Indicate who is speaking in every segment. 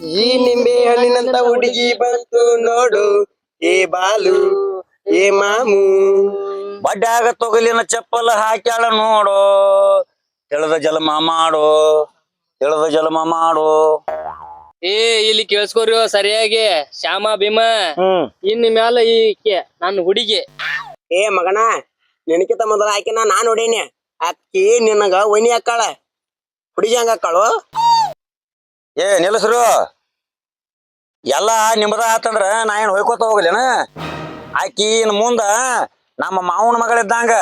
Speaker 1: ಈ ನಿಂಬೆ ಹಣ್ಣಿನಂತ ಹುಡುಗಿ ಬಂತು ನೋಡು, ಏ ಬಾಲು ಏ ಮಾಮು.
Speaker 2: ಬಡ್ಡ್ಯಾಗ ತೊಗಲಿನ ಚಪ್ಪಲ ಹಾಕ್ಯಾಳ ನೋಡು, ತಿಳಿದ ಜಲಮ ಮಾಡು, ತಿಳಿದ ಜಲಮ ಮಾಡು.
Speaker 3: ಏ ಇಲ್ಲಿ ಕೇಳಿಸ್ಕೋರಿ ಸರಿಯಾಗಿ. ಶ್ಯಾಮ ಭೀಮ ಇನ್ ಮ್ಯಾಲ ಈಕೆ ನನ್ನ ಹುಡುಗಿ.
Speaker 1: ಏ ಮಗನ, ನಿನಕಿತ ಮೊದಲ ಆಕಿನ ನಾನ್ ಹೊಡೀನಿ. ಅಕ್ಕಿ ನಿನಗ ಒಯ್ನಿ ಹಾಕಾಳ, ಹುಡುಗಿ ಹಂಗ ಹಾಕಾಳು.
Speaker 2: ಏ ನಿಲ್ಲಸ್ರು, ಎಲ್ಲ ನಿಮ್ಮದ ಆತಂದ್ರ ನಾ ಏನ್ ಹೊಯ್ಕೋತ ಹೋಗ್ಲೇನ? ಆಕಿ ಇನ್ ಮುಂದ ನಮ್ಮ ಮಾವನ ಮಗಳಿದ್ದಂಗ.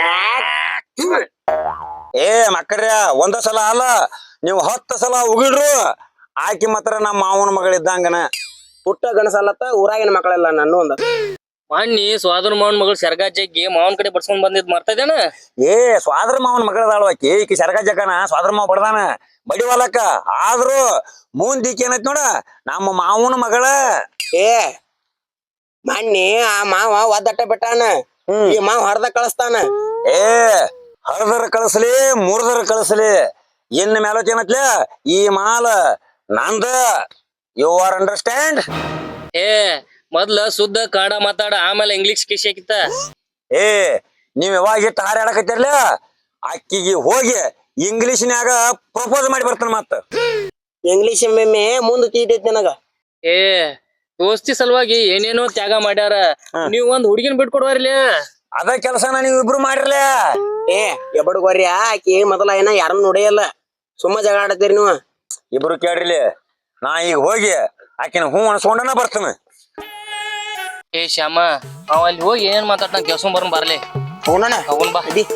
Speaker 2: ಏ ಮಕ್ಕಳ್ರ, ಒಂದ ಸಲ ಅಲ್ಲ ನೀವು 10 ಸಲ ಉಗಿಡ್ರು, ಆಕಿ ಮಾತ್ರ ನಮ್ಮ ಮಾವನ ಮಗಳಿದ್ದಂಗನ.
Speaker 1: ಪುಟ್ಟ ಗಣಸಲ್ಲತ್ತ ಊರಾಗಿನ ಮಕ್ಕಳೆಲ್ಲ ನನ್ನ ಒಂದ.
Speaker 3: ಮಣ್ಣಿ ಸ್ವಾದ್ರ ಮಾವನ್ ಮಗಳು ಸೆರಗಾ ಜಗ್ಗಿ ಮಾವನ್ ಕಡೆ ಬಡ್ಸ್ಕೊಂಡ್ ಬಂದಿದ್ ಮರ್ತದೇನ?
Speaker 2: ಏ ಸ್ವಾದ್ರ ಮಾವನ ಮಗಳದಾಳು ಆಕಿ. ಈಕಿ ಸೆರಗ ಜಗನ ಸ್ವಾದ್ರ ಮಾವ ಬಡ್ದಾನ ಬಡಿವಲಕ್ಕ. ಆದ್ರೂ ಮುಂದಿಕ್ ಏನೈತ್ ನೋಡ, ನಮ್ಮ ಮಾವನ ಮಗಳ.
Speaker 1: ಏ ಮಣ್ಣಿ ಆ ಮಾವ ಒದ್ದಟ್ಟ ಬಿಟ್ಟಾನ, ಈ ಮಾವ ಹರ್ದ ಕಳಿಸ್ತಾನ.
Speaker 2: ಏ ಹರ್ದರ ಕಳಿಸ್ಲಿ, ಮುರ್ದರ ಕಳಿಸ್ಲಿ, ಇನ್ ಮೇಲೋತ್ ಏನತ್ಲ, ಈ ಮಾಲ ನಂದ. You are understand?
Speaker 3: ಏ ಮೊದ್ಲ ಶುದ್ಧ ಕನ್ನಡ ಮಾತಾಡ, ಆಮೇಲೆ ಇಂಗ್ಲಿಷ್ ಕಿಶಕಿತ್ತ.
Speaker 2: ಏ ನೀವ್ ಯಾವಾಗ ಇಟ್ಟು ಹಾರಾಡಕತ್ತಿರ್ಲ, ಅಕ್ಕಿಗೆ ಹೋಗಿ ಇಂಗ್ಲಿಷ್ನ್ಯಾಗ ಪ್ರಪೋಸ್ ಮಾಡಿ ಬರ್ತಾನ. ಮತ್ತ
Speaker 1: ಇಂಗ್ಲಿಷ್ ಮೆಮ್ಮೆ ಮುಂದ್ ತೀತೈತಿ ನನಗ.
Speaker 3: ಏ ದೋಸ್ತಿ ಸಲುವಾಗಿ ಏನೇನೋ ತ್ಯಾಗ ಮಾಡ್ಯಾರ, ನೀವ್ ಒಂದ್ ಹುಡುಗಿನ ಬಿಟ್ಕೊಡ್ವಾರ್ಲಿ.
Speaker 2: ಅದ ಕೆಲಸನ ನೀವ್ ಇಬ್ರು ಮಾಡಿರ್ಲ.
Speaker 1: ಏ ಎಬಡ್ಗೋರ್ಯ, ಆಕಿ ಮೊದಲ ಏನ ಯಾರನ್ನ ನೋಡಿಯಲ್ಲ, ಸುಮ್ಮ ಜಗಳ ಆಡತ್ತೀರಿ ನೀವು
Speaker 2: ಇಬ್ರು. ಕೇಳ್ರಿಲಿ, ನಾ ಈಗ ಹೋಗಿ ಆಕಿನ ಹೂ ಅನ್ಸ್ಕೊಂಡನ ಬರ್ತಾನ.
Speaker 3: ಏ ಶ್ಯಾಮ, ಅವ ಅಲ್ಲಿ ಹೋಗಿ ಏನೇನ್ ಮಾತಾಡ್ತಾನ ಕೆಲ್ಸ ಬರ್ಲಿ.
Speaker 1: ಹೋಗೋಣ
Speaker 3: ಅವನ್ ಬಾ.
Speaker 1: ಅದಿ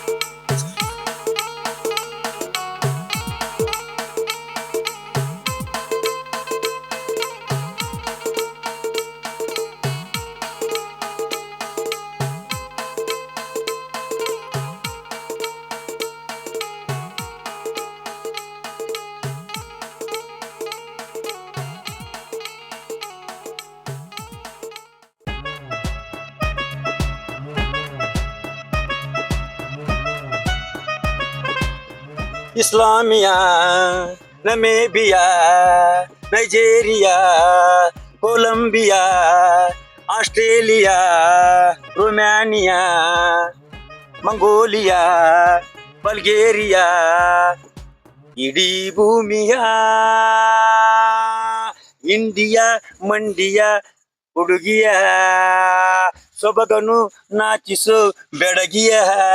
Speaker 2: ಇಸ್ಲಾಮಿಯಾ, Namibia, Nigeria, Colombia, Australia, Romania, Mongolia, Bulgaria, ಇಡೀ ಭೂಮಿಯಾ, ಇಂಡಿಯಾ ಮಂಡಿಯ ಹುಡುಗಿಯ, ಸೊಬಗನು ನಾಚಿಸು ಬೆಡಗಿಯ.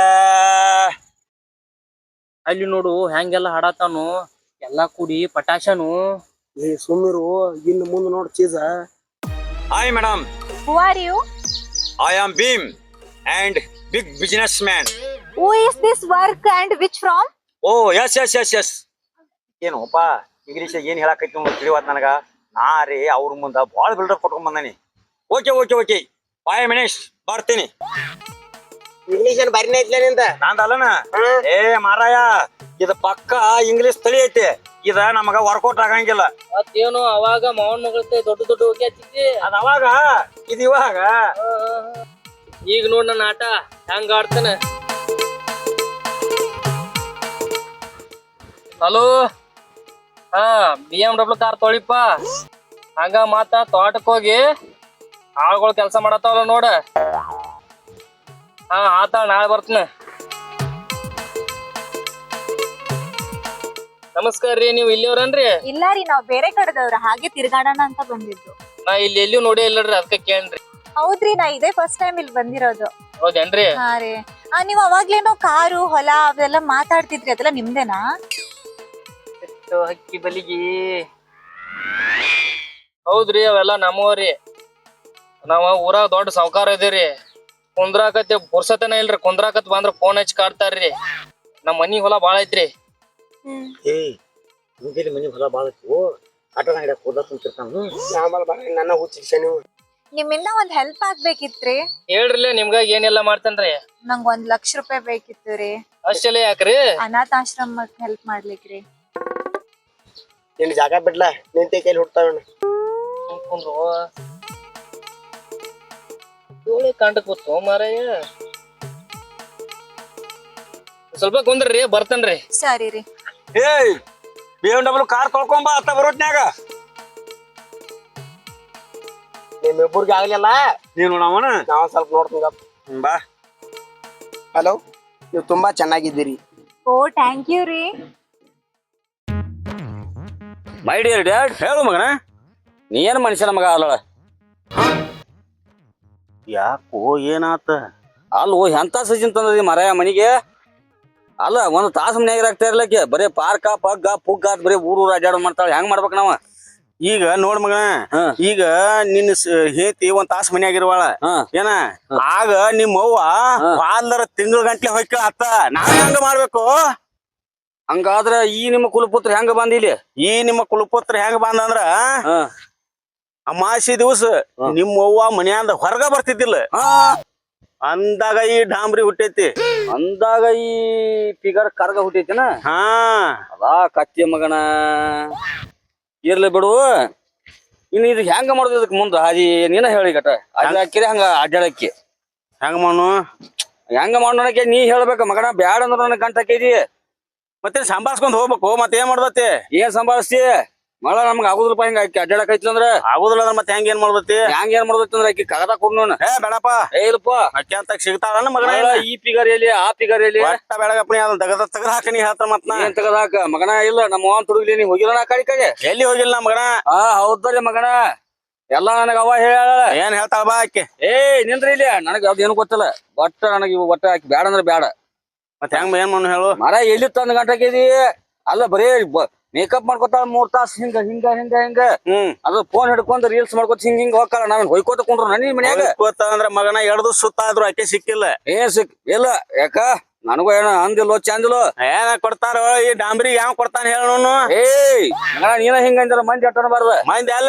Speaker 3: ಅಲ್ಲಿ ನೋಡು ಹೆಂಗೆಲ್ಲ ಹಾಡತಾನು, ಎಲ್ಲಾ ಕೂಡಿ ಪಟಾಶನು.
Speaker 1: ಏ ಸುಮ್ಮಿರು, ಇನ್ನು ಮುಂದೆ ನೋಡ್ ಚೀಸ.
Speaker 2: Hi madam.
Speaker 4: Who are you?
Speaker 2: I am Beam and big businessman.
Speaker 4: Who is this work and which from?
Speaker 2: Oh yes. ಏನೋಪ್ಪ ಇಂಗ್ಲೀಷ್ ಏನ್ ಹೇಳಕೈತಿ ತಿಳಿವತ್ ನನಗ. ನಾ ರೀ ಅವ್ರ ಮುಂದ ಬಾಳ ಬಿಲ್ಡಪ್ ಕೊಟ್ಕೊಂಡ್ ಬಂದಾನಿ. ಓಕೆ 5 minutes ಬರ್ತೀನಿ.
Speaker 1: ಇಂಗ್ಲೀಷ್ ಏನ್ ಬಾರಿನೇ ಐತ್ಲ ನಿಂದ?
Speaker 2: ನಂದಲ್ಲನ. ಏ ಮಾರಾಯ, ಇದು ಪಕ್ಕ ಇಂಗ್ಲೀಷ್ ತಳಿ ಐತಿ. ಇದ ನಮಗ ವರ್ಕೌಟ್ ಆಗಂಗಿಲ್ಲ.
Speaker 3: ಮತ್ತೇನು ಅವಾಗ ಮಾವನ್ ಮಗಳತೆ ದೊಡ್ಡ ಹೋಗಿ ಹಚ್ಚಿದ್ದಿ,
Speaker 2: ಅದ ಅವಾಗ, ಇದು ಇವಾಗ.
Speaker 3: ಈಗ ನೋಡ್ ನನ್ನ ಆಟ ಹೆಂಗ ಆಡ್ತಾನ. ಹಲೋ, BMW ಕಾರ್ ತೊಳಿಪ್ಪ. ಹಂಗ ಮಾತ ತೋಟಕ್ ಹೋಗಿ ಆಳ್ಗಳು ಕೆಲ್ಸ ಮಾಡತ್ತಾವಲ್ಲ ನೋಡ. ಆತ ನಾಳೆ ಬರ್ತೀನಿ. ನಮಸ್ಕಾರ ರೀ, ನೀವು ಇಲ್ಲಿಯವ್ರನ್ರಿ?
Speaker 4: ಇಲ್ಲ ರೀ, ನಾವ್ ಬೇರೆ ಕಡೆದವ್ರ, ಹಾಗೆ ತಿರ್ಗಾಡೋಣ ಅಂತ ಬಂದಿದ್ದು.
Speaker 3: ನಾ ಇಲ್ಲಿ ಎಲ್ಲಿಯೂ ನೋಡಿ ಇಲ್ಲರಿ, ಅದಕ್ಕೆ ಕೇಳ್ರಿ.
Speaker 4: ಹೌದ್ರಿ, ನಾ ಇದೇ ಫಸ್ಟ್ ಟೈಮ್ ಇಲ್ಲಿ ಬಂದಿರೋದು.
Speaker 3: ಹೌದೇನ್ರಿ?
Speaker 4: ಹಾ ರೀ. ನೀವ್ ಅವಾಗ್ಲೇನೋ ಕಾರು ಹೊಲ ಅವೆಲ್ಲ ಮಾತಾಡ್ತಿದ್ರಿ, ಅದೆಲ್ಲ ನಿಮ್ದೇನಾ?
Speaker 3: ಹಕ್ಕಿ ಬಲಿಗಿ ಹೌದ್ರಿ, ಅವೆಲ್ಲ ನಮ್ಮವ್ರಿ. ನಾವ ಊರಾಗ ದೊಡ್ಡ ಸಾವ್ಕಾರ ಇದೀರಿ. ಕುಂದ್ರಾಕತ್ತೆ ಪುರ್ಸತನ ಇಲ್ರಿ, ಕುಂದ್ರಾಕತ್ ಬಂದ್ರ ಫೋನ್ ಹಚ್ಚಿ ಕಾಡ್ತಾರ್ರಿ. ನಮ್ ಮನಿ ಹೊಲ ಬಾಳ ಐತ್ರಿ.
Speaker 2: ಏ ಮುಂಜಾನೆ ಮನಿ ಹೊಲ ಬಾಳ ಐತಿ. ಆಟೋ ಹಿಡಿಯಕ್ ಹೋದ ಕುಂತಿರ್ತಾನ.
Speaker 1: ನನ್ನ ಹುಚ್ಚಿಕ್ಷ ನೀವು.
Speaker 4: ನಿಮ್ಮಿಂದ ಒಂದ್ ಹೆಲ್ಪ್ ಆಗ್ಬೇಕಿತ್ರಿ.
Speaker 3: ಹೇಳ್ರಿಲ್ಲ, ನಿಮ್ಗಾಗಿ ಏನೆಲ್ಲ ಮಾಡ್ತೇನ್ರಿ.
Speaker 4: ನಂಗ್ 1 ಲಕ್ಷ ರೂಪಾಯಿ ಬೇಕಿತ್ತು ರೀ.
Speaker 3: ಅಷ್ಟೆಲ್ಲ ಯಾಕ್ರಿ?
Speaker 4: ಅನಾಥಾಶ್ರಮಕ್ ಹೆಲ್ಪ್ ಮಾಡ್ಲಿಕ್ರಿ.
Speaker 1: ನಿನ್ ಜಾಗ ಬಿಡ್ಲ, ನಿಂತೆ ಕೈಲಿ ಹುಡ್ತಾವ.
Speaker 3: ಕಾಂಟಕ್ ಗೊತ್ತು ಮಾರಾಯ. ಸ್ವಲ್ಪ ಕುಂದ್ರಿ, ಬರ್ತೇನ್ರಿ.
Speaker 4: ಸರಿ ರೀ.
Speaker 2: ಏಯ್ BMW ಕಾರ್ ತೊಳ್ಕೊಂಬ, ಅತ್ತ ಬರೋಟ್ನ್ಯಾಗ.
Speaker 1: ನಿಮ್ಮಿಬ್ಬರಿಗೆ ಆಗ್ಲಿಲ್ಲ,
Speaker 2: ನೀನು ನೋಡವನ
Speaker 1: ನಾವ್ ಸ್ವಲ್ಪ ನೋಡ್ತೀನಿ.
Speaker 2: ಬಾ.
Speaker 1: ಹಲೋ, ನೀವು ತುಂಬಾ ಚೆನ್ನಾಗಿದ್ದೀರಿ.
Speaker 4: ಓ ಥ್ಯಾಂಕ್ ಯು ರೀ.
Speaker 5: ಮೈ ಡಿಯರ್ ಡ್ಯಾಡ್,
Speaker 2: ಹೇಳು ಮಗನ.
Speaker 5: ನೀ ಏನು ಮನುಷ್ಯನ ಮಗ ಅಲ್ಲ?
Speaker 2: ಯಾಕೋ ಏನಾತ?
Speaker 5: ಅಲ್ಲೋ ಎಂತ ಸಜಿನ್ ತಂದದಿ ಮರ ಮನಿಗೆ? ಅಲ್ಲ ಒಂದು ತಾಸು ಮನ್ಯಾಗ ಆಗ್ತಾ ಇರ್ಲಕ್ಕೆ ಬರೀ ಪಾರ್ಕ ಪಗ್ಗ ಪುಗ್ಗ ಅಂತ ಬರೀ ಊರು ಅಡ್ಡಾಡೋ ಮಾಡ್ತಾಳೆ. ಹೆಂಗ್ ಮಾಡ್ಬೇಕು ನಾವ?
Speaker 2: ಈಗ ನೋಡ್ ಮಗನ, ಈಗ ನಿನ್ನ ಹೇತಿ ಒಂದ್ ತಾಸ ಮನ್ಯಾಗಿರುವಾಳ ಏನ, ಆಗ ನಿಮ್ಮ ಅವ್ವ ವಾಲ್ದರ ತಿಂಗಳ ಗಂಟ್ಲೆ ಹೊಯ್ಕ ಅತ್ತ. ನಾವ್ ಹೆಂಗ ಮಾಡ್ಬೇಕು?
Speaker 5: ಹಂಗಾದ್ರ ಈ ನಿಮ್ಮ ಕುಲಪುತ್ರ ಹೆಂಗ ಬಂದಿಲ್ಲಿ?
Speaker 2: ಈ ನಿಮ್ಮ ಕುಲಪುತ್ರ ಹೆಂಗ ಬಂದಂದ್ರ, ಅಮಾಸಿ ದಿವಸ ನಿಮ್ಮ ಅವ್ವ ಮನ್ಯಾಂದ ಹೊರಗ ಬರ್ತಿದ್ದಿಲ್ಲ, ಅಂದಾಗ ಈ ಡಾಂಬ್ರಿ ಹುಟ್ಟೈತಿ.
Speaker 5: ಅಂದಾಗ ಈ ಫಿಗರ್ ಕರ್ಗ ಹುಟ್ಟೈತಿನ?
Speaker 2: ಹಾ,
Speaker 5: ಅದಾ ಕತ್ತಿ ಮಗನ. ಇರ್ಲಿ ಬಿಡು. ಇನ್ನು ಇದು ಹೆಂಗ ಮಾಡುದು ಇದಕ್ ಮುಂದ ಹಾದಿ ನೀನ ಹೇಳಿ ಗಟ. ಅಡ್ಡಾಕಿರಿ ಹಂಗ ಅಡ್ಡಾಡಕ್ಕಿ
Speaker 2: ಹೆಂಗ ಮಾಡು?
Speaker 5: ಹೆಂಗ ಮಾಡೋಣಕ್ಕೆ ನೀ ಹೇಳ್ಬೇಕ ಮಗನ. ಬ್ಯಾಡ ಅಂದ್ರ ನನಗೆ ಗಂಟ ಹಾಕಿದಿ.
Speaker 2: ಮತ್ತೆ ಸಂಭಾಳ್ಸ್ಕೊಂಡ್ ಹೋಗ್ಬೇಕು. ಮತ್ತೆ ಏನ್ ಮಾಡ್ದತಿ?
Speaker 5: ಏನ್ ಸಂಭಾಳಿಸ್ತಿ ಮಳ? ನಮ್ಗ ಆಗುದಿಲ್ಲಪ್ಪ ಹಿಂಗ ಆಕಿ ಅಡ್ಡಾಡಕ್ ಐತಿ ಅಂದ್ರ.
Speaker 2: ಆಗುದಿಲ್ಲ ಅಂದ್ರೆ ಮತ್ತೆ ಹೆಂಗ ಏನ್ ಮಾಡ್ದತಿ?
Speaker 5: ಹೆಂಗ ಏನ್ ಮಾಡ್ದೈತಿ ಅಂದ್ರ ಆಕಿ ಕಾಗದ ಕೊಡ್ನೋಣ.
Speaker 2: ಏ ಬೇಡಪ್ಪ,
Speaker 5: ಏ ಇಲ್ಲಪ್ಪ,
Speaker 2: ಅಕ್ಕಿ ಅಂತ ಸಿಗ್ತಾಳ ಮಗನ.
Speaker 5: ಈ ಫಿಗರ್ ಎಲ್ಲಿ ಆ ಫಿಗರ್ ಎಲ್ಲಿ?
Speaker 2: ಒಟ್ಟ ಬೆಳಗಪ್ಪನಿ ಅದನ್ನ ತೆಗದ ಹಾಕ. ನೀ ಹೇಳ್ತ ಮತ್ ನಾ
Speaker 5: ಏನ್ ತೆಗದಾಕ ಮಗನ? ಇಲ್ಲ ನಮ್ಮ ಅವನ್ ತುಡುಗ್ಲಿ ನೀ ಹೋಗಿಲ್ಲ ಕಡೆ ಕಡೆ.
Speaker 2: ಎಲ್ಲಿ ಹೋಗಿಲ್ಲ ಮಗನ.
Speaker 5: ಹೌದಲ್ಲ ಮಗನ, ಎಲ್ಲಾ ನನಗ ಅವ ಹೇಳ.
Speaker 2: ಏನ್ ಹೇಳ್ತಾಳ ಬಾ ಆಕೆ.
Speaker 5: ಏ ನಿಂದ್ರಿ ಇಲ್ಲಿ, ನನಗ ಯಾವ್ದು ಏನು ಗೊತ್ತಿಲ್ಲ. ಒಟ್ಟ ನನಗ ಇವ್ ಒಟ್ಟ ಆಕಿ ಬ್ಯಾಡ ಅಂದ್ರ ಬ್ಯಾಡ.
Speaker 2: ಮತ್ತೆ ಹೆಂಗ್ ಏನ್ ಮಾಡು ಹೇಳು?
Speaker 5: ಮರ ಎಲ್ಲಿ ತಂದ್ ಗಂಟ ಹಾಕಿದಿ? ಅಲ್ಲ ಬರೀ ಮೇಕಪ್ ಮಾಡ್ಕೊತಾಳ 3 ತಾಸ ಹಿಂಗ ಹಿಂಗ ಹಿಂಗ ಹಿಂಗ. ಅದು ಫೋನ್ ಹಿಡ್ಕೊಂಡ್ ರೀಲ್ಸ್ ಮಾಡ್ಕೊತ ಹಿಂಗ ಹಿಂಗ ಹೋಗ್ತಾಳ. ನಾವೇನ್ ಹೊಯ್ಕೋತ ಕುಂಡ್ರು ನನಿ ಮನ್ಯಾಗ?
Speaker 2: ಅಂದ್ರ ಮಗನ 2 ದಿವಸ ಸುತ್ತಾದ್ರು ಆಕೆ ಸಿಕ್ಕಿಲ್ಲ.
Speaker 5: ಏನ್ ಸಿಕ್ ಇಲ್ಲ ಯಾಕ? ನನಗೂ ಏನೋ ಅಂದಿಲ್ಲೋ ಚಂದಿಲ್ಲೋ.
Speaker 2: ಏನ ಕೊಡ್ತಾರ ಈ ಡಾಂಬ್ರಿ? ಯಾವ ಕೊಡ್ತಾನ ಹೇಳೋನು?
Speaker 5: ಏಯ್ ಮಗನ, ನೀನ ಹಿಂಗ ಅಂದ್ರ ಮಂದಿ ಅಟ್ಟನ ಬಾರ್ದ.
Speaker 2: ಮಂದಿ ಅಲ್ಲ,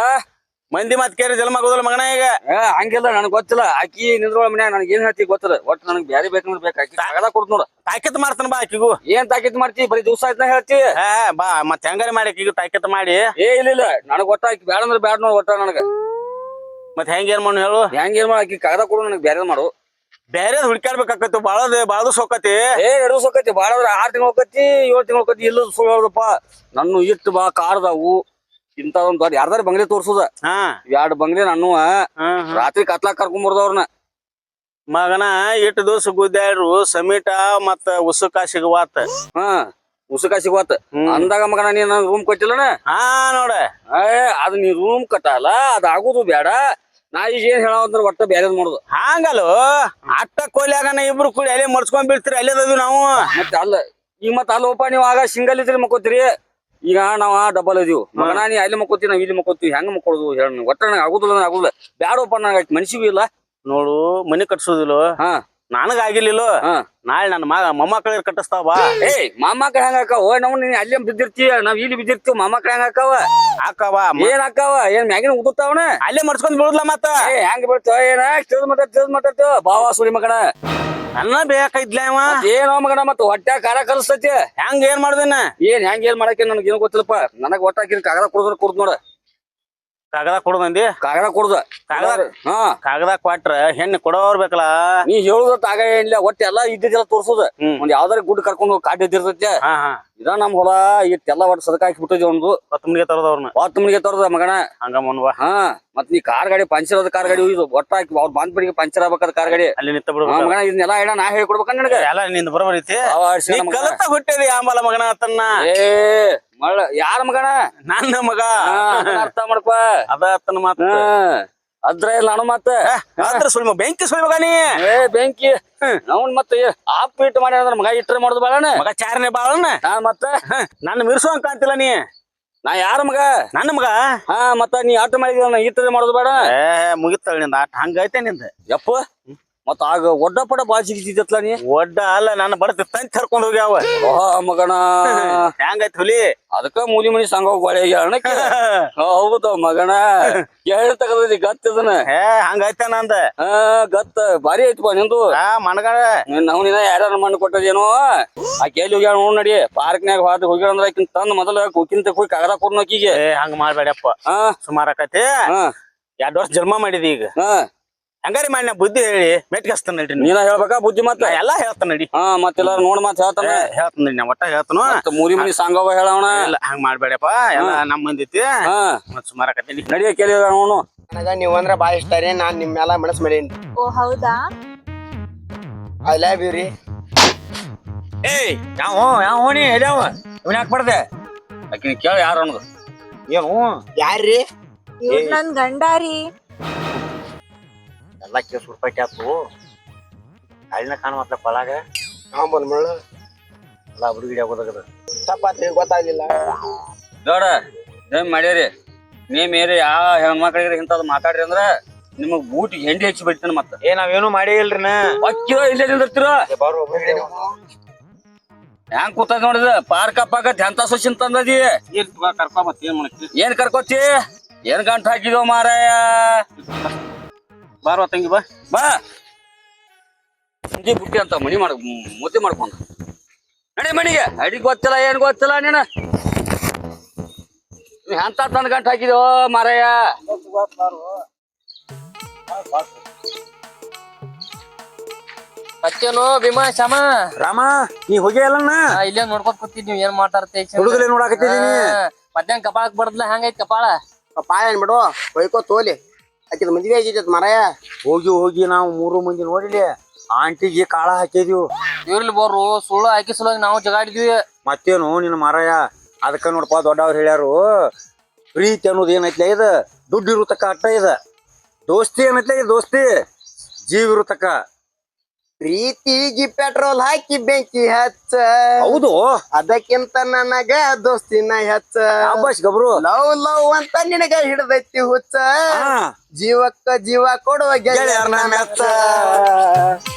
Speaker 2: ಮಂದಿ ಮತ್ ಕೇರಿ ಜನ್ಮ ಆಗೋದಿಲ್ಲ ಮಗನ. ಈಗ
Speaker 5: ಹಂಗಿಲ್ಲ, ನನಗ್ ಗೊತ್ತಿಲ್ಲ. ಆಕಿ ನಿಂದ್ರೊಳ ಮನ್ಯಾಗ ನನಗೆ ಏನ್ ಹೇಳ್ತಿ ಗೊತ್ತಿಲ್ಲ. ಒಟ್ಟು ನನಗ್ ಬ್ಯಾರೆ ಬೇಕಂದ್ರ ಬೇಕು. ಆಕಿ ಕಾಗದ ಕೊಡ್ತ ನೋಡ.
Speaker 2: ತಾಕಿತ್ ಮಾಡ್ತಾನ ಬಾ ಆಕಿಗೂ.
Speaker 5: ಏನ್ ತಾಕಿತ್ ಮಾಡ್ತಿ? ಬರೀ ದಿವ್ಸ ಆಯ್ತ ಹೇಳ್ತಿ.
Speaker 2: ಬಾ ಮತ್ ಹೆಂಗಾರ ಮಾಡಿ ಈಗ ತಾಕಿತ್ ಮಾಡಿ.
Speaker 5: ಏ ಇಲ್ಲ ನನಗ್ ಒಟ್ಟ ಆಕಿ ಬ್ಯಾಡ ಅಂದ್ರ ಬ್ಯಾಡ ನೋಡ್. ಒಟ್ಟ ನನಗ
Speaker 2: ಮತ್ ಹೆಂಗ ಏನ್ ಮಾಡು ಹೇಳು?
Speaker 5: ಹೆಂಗ ಏನ್ ಮಾಡ? ಆಕಿ ಕಾಗದ ಕೊಡು, ನನಗ್ ಬ್ಯಾರೆ ಮಾಡು.
Speaker 2: ಬೇರೆ ಹುಡ್ಕ್ಯಾಡ್ಬೇಕಾಕತ್ತು. ಬಾಳದು ಸೊಕ್ಕತಿ.
Speaker 5: ಏ 2 ದಿವಸ ಹೋಕತಿ, ಬಾಳ 6 ತಿಂಗಳು ಹೋಕತಿ, 7 ತಿಂಗಳು ಹೋಕತಿ. ಇಲ್ಲ ಸುಳ್ಳು ಹೇಳದಪ್ಪ. ನನ್ನ ಇಟ್ಟು ಬಾ ಕಾರ್ದಾವು ಇಂಥದೊಂದ್ ದೊಡ್ಡ ಯಾರ್ದಾರ ಬಂಗ್ಲೆ ತೋರ್ಸುದ. 2 ಬಂಗ್ಲೆ ನಾನು ರಾತ್ರಿ ಕತ್ಲಾಕ್ ಕರ್ಕೊಂಬರ್ದವ್ರನ್ನ.
Speaker 2: ಮಗನ ಇಟ್ಟು ದಿವಸ ಗುದ್ದಾಡ್ರು ಸಮೀಟ ಮತ್ತ ಉಸುಕ ಸಿಗುವಾತ.
Speaker 5: ಉಸುಕ ಸಿಗುವತ್ತ ಅಂದಾಗ ಮಗನ ನೀನ್ ರೂಮ್ ಕೊಟ್ಟಿಲ್ಲನ?
Speaker 2: ನೋಡ,
Speaker 5: ಅದ್ ನೀ ರೂಮ್ ಕಟ್ಟಲ್ಲ, ಅದ್ ಆಗುದು ಬ್ಯಾಡ. ನಾ ಈಗ ಏನ್ ಹೇಳಂದ್ರ ಒಟ್ಟ ಬ್ಯಾರೇದ್ ಮಾಡುದು.
Speaker 2: ಹಾಂಗಲ್ಲೋ, ಅಟ್ಟ ಕೊಯ್ಲಾಗನ ಇಬ್ರು ಕೂಡಿ ಅಲ್ಲೇ ಮರ್ಸ್ಕೊಂಡ್ ಬೀಳ್ತೀರಿ. ಅಲ್ಲೇದದು ನಾವು.
Speaker 5: ಮತ್ತೆ ಅಲ್ಲ ಈಗ ಮತ್ತ ಅಲ್ಲೋಪ, ನೀವು ಆಗ ಸಿಂಗಲ್ ಇದ್ರಿ ಮಕ್ಕೋತೀರಿ. ಈಗ ನಾವ್ ಡಬಲ್ ಇದೀವಿ ಮಗನ. ನೀ ಅಲ್ಲಿ ಮಕ್ಕೋತೀವಿ, ನಾವ್ ಇಲ್ಲಿ ಮಕ್ಕೋತೀವಿ. ಹೆಂಗ್ ಮಕ್ಕೊಳುದು ಹೇಳ? ಒಟ್ಟ ನನಗೆ ಆಗುದಿಲ್ಲ, ಆಗುದಿಲ್ಲ. ಬ್ಯಾಡಪ್ಪ, ನನಗೆ ಮನ್ಸಿಗೂ ಇಲ್ಲ.
Speaker 2: ನೋಡು, ಮನಿ ಕಟ್ಸೋದಿಲ್ಲ. ನನಗ ಆಗಿರ್ಲಿಲ್ಲ. ನಾಳೆ ನನ್ನ ಮೊಮ್ಮಕ್ಕಳಿಗೆ ಕಟ್ಟಿಸ್ತಾವ ಬಾ.
Speaker 5: ಏಯ್ ಮೊಮ್ಮಕ್ಳ ಹೆಂಗ ಹಾಕಾವ? ನಾವು ನೀನ್ ಅಲ್ಲೇ ಬಿದ್ದಿರ್ತೀಯ, ನಾವ್ ಇಲ್ಲಿ ಬಿದ್ದಿರ್ತೀವಿ. ಮೊಮ್ಮಕ್ಳ ಹೆಂಗ ಹಾಕಾವ?
Speaker 2: ಹಾಕವ.
Speaker 5: ಏನ್ ಹಾಕಾವ? ಏನ್ ಮ್ಯಾಗಿನ ಉದುತ್ತಾವನ?
Speaker 2: ಅಲ್ಲೇ ಮರ್ಸ್ಕೊಂಡ್ ಬಿಡುದ್ಲ ಮತ್ತ.
Speaker 5: ಹೆಂಗ್ ಬೀಳ್ತಾವ? ಏನ ತಿಳಿದ್ ಮಾತಾಡ್ತೇವ ಬಾವಾ ಸುಳಿ ಮಗನ.
Speaker 2: ನನ್ನ ಬೇಕಾಯ್ತ್ಲ ಅವ.
Speaker 5: ಏನೋ ಮಗನ, ಮತ್ತ ಹೊಟ್ಟೆ ಖಾರ ಕಲಿಸ್ತೈತಿ.
Speaker 2: ಹೆಂಗ ಏನ್ ಮಾಡ್ದೇನ?
Speaker 5: ಹೆಂಗ್ ಏನ್ ಮಾಡಕ್ಕೆ ನನಗೆ ಏನು ಗೊತ್ತಿಲ್ಲಪ್ಪ. ನನಗ್ ಒಟ್ಟ ಹಾಕಿನ ಕಾಗದ ಕುಡ್ದ್ರ ಕುಡ್ದ್ ನೋಡ.
Speaker 2: ಕಾಗದ ಕೊಡುದಂದಿ?
Speaker 5: ಕಾಗದ ಕುಡ್ದ.
Speaker 2: ಕಾಗದ ಕೊಟ್ರ ಹೆಣ್ಣು ಕೊಡೋರ್ ಬೇಕಲ್ಲ.
Speaker 5: ನೀ ಹೇಳುದತ್ತ ಆಗ ಏನಿಲ್ಲ. ಒಟ್ಟ ಎಲ್ಲಾ ಇದ್ದಿದ್ದೆಲ್ಲ ತೋರ್ಸುದ. ಒಂದ್ ಯಾವ್ದಾರ ಗುಡ್ ಕರ್ಕೊಂಡು ಹೋಗಿ ಕಾಡ್ ಇದ್ದಿರ್ತೈತಿ. ಇದ ನಮ್ ಹೊಲ ಇಟ್ಟೆಲ್ಲ ಒಟ್ಟು ಸದಕ ಹಾಕಿ ಬಿಟ್ಟಿದ್ವಿ. ಒಂದು
Speaker 2: 10 ಮನಿಗೆ ತರದವ್ರನ್ನ
Speaker 5: 10 ಮನಿಗೆ ತರದ ಮಗನ.
Speaker 2: ಹಂಗ ಮನ್ವಾ.
Speaker 5: ಮತ್ ನೀ ಕಾರ್ ಗಾಡಿ ಪಂಚರ್ ಅದ ಕಾರ್ ಗಾಡಿ ಇದು ಒಟ್ಟ ಹಾಕಿ ಅವ್ರ ಬಾಂದ್ಪಡಿಗೆ ಪಂಚರ್ ಆಗ್ಬೇಕಾದ ಕಾರ್ ಗಾಡಿ
Speaker 2: ಅಲ್ಲಿ ನಿಂತ ಬಿಡ್ಬೇಕು
Speaker 5: ಮಗನ. ಇದನ್ನೆಲ್ಲ ಹೇಳ ನಾ ಹೇಳ್ಕೊಡ್ಬೇಕ ನನಗ?
Speaker 2: ಎಲ್ಲ ನಿಂದ ಬರೋಬರೈತಿ. ಕಲತ ಹುಟ್ಟಿದಿ ಆಂಬಲ ಮಗನ ಆತನ್ನ.
Speaker 5: ಮಳ ಯಾರ ಮಗನ?
Speaker 2: ನನ್ನ ಮಗ.
Speaker 5: ಅರ್ಥ ಮಾಡ್ಕೊ.
Speaker 2: ಅದ ಆತನ ಮಾತ.
Speaker 5: ಅದ್ರ ಇಲ್ಲ ನಾನು ಮತ್ತೆ
Speaker 2: ಅದ್ರ ಸುಳ್ಮ ಬೆಂಕಿ ಸುಳಿ ಮಗ ನೀ.
Speaker 5: ಬೆಂಕಿ ಅವ್ನ್ ಮತ್ತೆ ಆಪ್ ಇಟ್ಟು ಮಾಡಿ ಅಂದ್ರ ಮಗ ಇಟ್ರೆ ಮಾಡುದು ಬಾಳನ.
Speaker 2: ಮಗ ಚಾರನೆ ಬಾಳನ.
Speaker 5: ಮತ್ತೆ
Speaker 2: ನನ್ನ ಮಿರ್ಸೋ ಕಾಂತಿಲ್ಲ ನೀ.
Speaker 5: ನಾ ಯಾರ ಮಗ?
Speaker 2: ನನ್ನ ಮಗ.
Speaker 5: ಮತ್ತ ನೀ ಆಟ ಮಾಡಿದ ಇಟ್ಟರೆ ಮಾಡುದು ಬೇಡ.
Speaker 2: ಮುಗಿತಾಳ ನಿಂದ ಆಟ. ಹಂಗೈತೆ ನಿಂದ.
Speaker 5: ಯಪ್ಪ ಮತ್ತ ಆಗ ಒಡ್ಡ ಪಡ ಬಾಳ್ ಸಿಗಿತಿದ್ದತ್ಲ ನೀ.
Speaker 2: ಒಡ್ಡ ಅಲ್ಲ, ನನ್ನ ಬಡತ ತಂತಿ ಹರ್ಕೊಂಡ್ ಹೋಗ್ಯಾವ.
Speaker 5: ಮಗನ
Speaker 2: ಹೆಂಗೈತ್ ಹುಲಿ?
Speaker 5: ಅದಕ್ಕ ಮೂಲಿ ಮನಿ ಸಂಘ ಹೋಗ್ಯಾಳಕ್ಕೆ. ಹೌದು ಮಗನ. ಹೇಳಿ ತಗದಿ ಗತ್ತದನ.
Speaker 2: ಹಂಗೈತೆ ನಂದ.
Speaker 5: ಗತ್ತ ಬಾರಿ ಐತಪ್ಪ ನಿಂದು.
Speaker 2: ಮನಗ
Speaker 5: ನಾವು ನಿನ್ನ ಯಾರ್ಯಾರ ಮಣ್ಣು ಕೊಟ್ಟದೇನೋ. ಆಕೆ ಎಲ್ಲಿ ಹೋಗ್ಯಾಳ ನೋಡ್ ನಡಿ. ಪಾರ್ಕ್ನ್ಯಾಗ ಹೋಗ್ಯಾಳ ಅಂದ್ರ ಆಕಿನ್ ತಂದ್ ಮೊದಲ ಕುಕ್ಕಿಂತ ಹೋಗಿ ಕಾಗದ ಕೊಡ್ನು ಆಕಿಗೆ.
Speaker 2: ಹಂಗ ಮಾಡ್ಬೇಡಪ್ಪ. ಸುಮಾರ್ ಆಕತಿ. 2 ವರ್ಷ ಜನ್ಮ ಮಾಡಿದಿ ಈಗ. ಹಂಗಾರಿ ಮಾಡಿ ನಾ ಬುದ್ಧಿ ಹೇಳಿ ಮೆಟ್ಗಸ್ತಾನ ನಡಿ.
Speaker 5: ನೀನ ಹೇಳ್ಬೇಕಾ ಬುದ್ಧಿ? ಮತ್ತ
Speaker 2: ಎಲ್ಲಾ ಹೇಳ್ತಾನ ನಡಿ.
Speaker 5: ಮತ್ತೆಲ್ಲಾರು ನೋಡ್ ಮತ್ ಹೇಳ್ತಾನ.
Speaker 2: ಹೇಳ್ತಾನ ನಡಿ. ನಾ ಒಟ್ಟ ಹೇಳ್ತಾನ.
Speaker 5: ಮೂರಿ ಮನಿ ಸಾಂಗವ ಹೇಳವಣ.
Speaker 2: ಇಲ್ಲ ಹಂಗ ಮಾಡ್ಬೇಡಪ್ಪ. ಎಲ್ಲಾ ನಮ್ ಮಂದಿತಿ. ಮತ್ ಸುಮಾರ್ ಆಕತಿ
Speaker 5: ನಡಿಯ ಕೇಳಿ ನೋಡು.
Speaker 1: ನನಗ ನೀವ್ ಅಂದ್ರ ಬಾಳ ಇಷ್ಟ ರೀ. ನಾನ್ ನಿಮ್ ಮ್ಯಾಲ ಮನಸ್ ಮಾಡೇನಿ.
Speaker 4: ಓ ಹೌದಾ?
Speaker 1: ಐ ಲವ್ ಯು ರೀ.
Speaker 2: ಏಯ್ ಯಾವ ನೀ ಎಲ್ಯಾವ ಇವನ್ ಯಾಕೆ ಬರ್ದೆ
Speaker 5: ಆಕಿನ ಕೇಳ ಯಾರು ಅನ್ನೋದು.
Speaker 2: ಏನು
Speaker 1: ಯಾರ್ರಿ?
Speaker 4: ಇವ್ರ ನನ್ ಗಂಡ ರೀ.
Speaker 2: ಎಲ್ಲ ಕೇಸ್ ರೂಪಾಯಿ ಆತು ಕಾಳಿನ ಕಾಣುವತ್ತ ಕೊಳಾಗ
Speaker 1: ಬಂದ್ ಮುಳ್ಳು
Speaker 2: ಎಲ್ಲ ಹುಡುಗಿಡಿ ಆಗೋದಾಗದ.
Speaker 1: ತಪ್ಪಾತ್ರಿ, ಗೊತ್ತಾಗ್ಲಿಲ್ಲ.
Speaker 5: ನೋಡ ಏನ್ ಮಾಡ್ಯಾರಿ ನೀ ಮೇರೆ ಯಾವ ಹೆಣ್ಮಕ್ಳಿಗೆ ಇಂಥದ್ ಮಾತಾಡ್ರಿ ಅಂದ್ರ ನಿಮಗ್ ಬೂಟಿಗೆ ಹೆಂಡಿ ಹಚ್ಚಿ ಬಿಡ್ತಾನ. ಮತ್ತ
Speaker 2: ನಾವೇನು ಮಾಡೇ ಇಲ್ರಿನ.
Speaker 5: ಅಕ್ಕಿರೋ ಇಲ್ಲೇ ನಿಂದಿರ್ತಿರೋ ಹೆಂಗ್ ಕೂತದ ನೋಡಿದ ಪಾರ್ಕ ಪಾಕತ್ ಎಂತ ಸೊಸಿನ್ ತಂದದಿ.
Speaker 2: ಕರ್ಕೊ ಮತ್ತ ಏನ್ ಮಾಡಕ್ಕೆ
Speaker 5: ಏನ್ ಕರ್ಕೋತಿ ಏನ್ ಗಂಟ ಹಾಕಿದೋ ಮಾರಾಯ.
Speaker 2: ಬಾರ್ವ ತಂಗಿ ಬಾ.
Speaker 5: ಬಾ ಸಂಜೆ ಬುಟ್ಟಿ ಅಂತ ಮನಿ ಮಾಡ ಮುದ್ದೆ ಮಾಡ್ಕೊಂಡ ನಡಿ ಮನಿಗೆ. ಅಡಿ ಗೊತ್ತಿಲ್ಲ ಏನ್ ಗೊತ್ತಿಲ್ಲ ನೀನ ಎಂತ ತನ್ ಗಂಟ ಹಾಕಿದೋ ಮಾರಾಯ.
Speaker 3: ಮತ್ತೇನು ಭೀಮಾ ಶ್ಯಾಮ
Speaker 2: ರಾಮ ನೀ ಹೋಗಿ ಅಲ್ಲಣ್ಣ
Speaker 3: ಇಲ್ಲೇ ನೋಡ್ಕೊತ ಕೂತಿದ್ ನೀವ್ ಏನ್ ಮಾತಾಡ್ತೇ
Speaker 2: ಹುಡುಗರೇ ನೋಡಾಕತ್ತಿದೀನಿ.
Speaker 3: ಮಧ್ಯಾಹ್ನ ಕಪಾಳಕ್ ಬಡದ್ಲ ಹಂಗೈತ್ ಕಪಾಳ?
Speaker 1: ಪಾಯ ಏನ್ ಬಿಡು, ಹೊಯ್ಕೋ ತೋಲಿ. ಆಕಿದ ಮದ್ವೆ ಆಗಿದ್ದತ್ ಮರಾಯ.
Speaker 2: ಹೋಗಿ ನಾವು 3 ಮಂದಿ ನೋಡಿಲಿ ಆಂಟಿಗೆ ಕಾಳ ಹಾಕಿದ್ವಿ.
Speaker 3: ಇರ್ಲಿ ಬರ್ರು ಸುಳ್ಳು ಹಾಕಿ ಸಲುವಾಗಿ ನಾವು ಜಗಾಡಿದ್ವಿ.
Speaker 2: ಮತ್ತೇನು ನಿನ್ನ ಮಾರಾಯ ಅದಕ್ಕ ನೋಡಪ್ಪ ದೊಡ್ಡವ್ರು ಹೇಳ್ಯಾರು ಪ್ರೀತಿ ಅನ್ನೋದು ಏನೈತ್ಲೆ ಇದು ದುಡ್ಡು ಇರುತಕ್ಕ ಅಟ್ಟ ಇದ. ದೋಸ್ತಿ ಏನೈತ್ಲೆ ಇದು ದೋಸ್ತಿ ಜೀವ ಇರುತಕ್ಕ.
Speaker 1: ಪ್ರೀತಿಗಿ ಪೆಟ್ರೋಲ್ ಹಾಕಿ ಬೆಂಕಿ ಹಚ್ಚ,
Speaker 2: ಹೌದು
Speaker 1: ಅದಕ್ಕಿಂತ ನನಗ ದೋಸ್ತಿನ ಹೆಚ್ಚ.
Speaker 2: ಅಬ್ಬಾಸ್ ಗಬ್ರು
Speaker 1: ಲವ್ ಲವ್ ಅಂತ ನಿನಗ ಹಿಡ್ದೈತಿ ಹುಚ್ಚ,
Speaker 2: ಹಾ
Speaker 1: ಜೀವಕ್ಕ ಜೀವ ಕೊಡುವ ಗೆಳೆಯರ್ನ ಮೆಚ್ಚ.